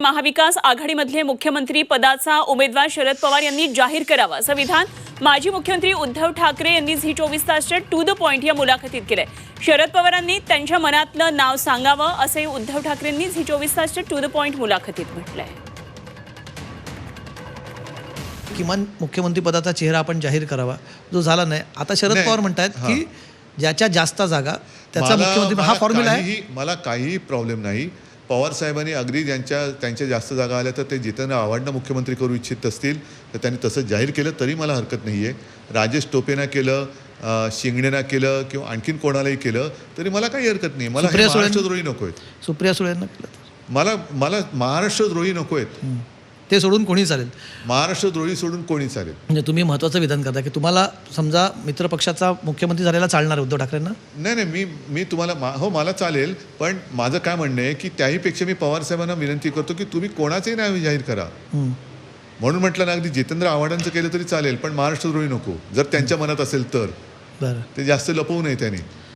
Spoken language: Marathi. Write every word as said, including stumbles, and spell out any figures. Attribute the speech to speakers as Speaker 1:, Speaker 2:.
Speaker 1: महाविकास आघाडीमधले मुख्यमंत्री पदाचा उमेदवार शरद पवार यांनी जाहीर करावा असं विधान माजी मुख्यमंत्री उद्धव ठाकरे यांनी झी चोवीस तासच्या टू द पॉइंट या मुलाखतीत केलंय। शरद पवारांनी त्यांच्या मनातलं नाव सांगावं असे उद्धव ठाकरेंनी झी चोवीस तासच्या टू द पॉइंट मुलाखतीत म्हटलंय।
Speaker 2: किमान मुख्यमंत्री पदाचा चेहरा आपण जाहीर करावा, जो झाला नाही। आता शरद पवार म्हणतात की ज्याच्या जास्त जागा त्याचा मुख्यमंत्री हा फॉर्म्युला आहे।
Speaker 3: मला काही प्रॉब्लेम नाही। पवार साहेबांनी अगदी ज्यांच्या त्यांच्या जास्त जागा आल्या तर ते जितेंद्र आव्हाडांना मुख्यमंत्री करू इच्छित असतील तर त्यांनी तसं जाहीर केलं तरी मला हरकत नाही आहे। राजेश टोपेना केलं, शिंगणेना केलं किंवा आणखीन कोणालाही केलं तरी मला काही हरकत नाही। मला महाराष्ट्रद्रोही नको आहेत।
Speaker 2: सुप्रिया सुळेंना केलं
Speaker 3: मला मला महाराष्ट्रद्रोही नको आहेत,
Speaker 2: ते सोडून कोणी चालेल।
Speaker 3: महाराष्ट्रद्रोही सोडून कोणी चालेल।
Speaker 2: म्हणजे तुम्ही महत्त्वाचं विधान करता की तुम्हाला समजा मित्रपक्षाचा मुख्यमंत्री झालेला चालणार उद्धव ठाकरेंना?
Speaker 3: नाही नाही मी मी तुम्हाला हो मला चालेल, पण माझं काय म्हणणं आहे की त्याहीपेक्षा मी पवार साहेबांना विनंती करतो की तुम्ही कोणाचंही नाव जाहीर करा। म्हणून म्हटलं ना, अगदी जितेंद्र आव्हाडांचं केलं तरी चालेल, पण महाराष्ट्रद्रोही नको जर त्यांच्या मनात असेल तर।
Speaker 2: बरं,
Speaker 3: ते जास्त लपवू नये त्यांनी।